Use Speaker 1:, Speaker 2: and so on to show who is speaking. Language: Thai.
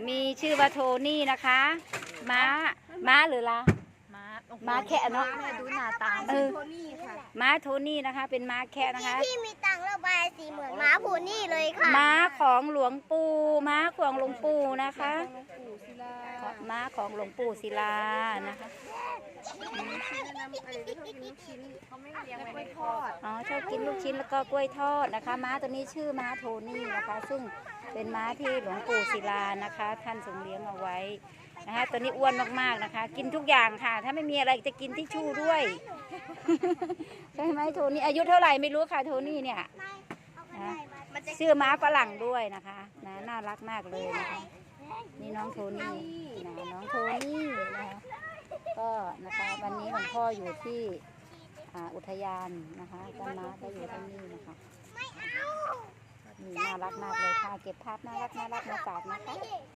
Speaker 1: มีชื่อว่าโทนี่นะคะม้าหรือล่ะม้าแค่เนาะดูหน้าตาม้าโทนี่นะคะ เป็นม้าแค่นะคะ
Speaker 2: ที่มีตังระบายสีเหมือนม้าโพนี่เลยค่ะ
Speaker 1: ม้าของหลวงปู่ม้าของหลวงปู่นะคะม้าของหลวงปู่ศิลานะคะอ๋อชอบกินลูกชิ้นแล้วก็กล้วยทอดนะคะม้าตัวนี้ชื่อม้าโทนี่นะคะซึ่งเป็นม้าที่หลวงปู่ศิลานะคะท่านทรงเลี้ยงเอาไว้นะคะตัวนี้อ้วนมากๆนะคะกินทุกอย่างค่ะถ้าไม่มีอะไรจะกินทิชชู่ด้วยใช่ไหมโทนี่อายุเท่าไหร่ไม่รู้ค่ะโทนี่เนี่ยนะชื่อม้าฝรั่งด้วยนะคะนะน่ารักมากเลยนะคะนี่น้องโทนี่นะน้องโทนี่นะคะก็นะคะวันนี้หลวงพ่ออยู่ที่อุทยานนะคะต้นม้าก็อยู่ที่นี่นะคะนี่น่ารักมากเลยค่ะเก็บภาพน่ารักมาฝากนะคะ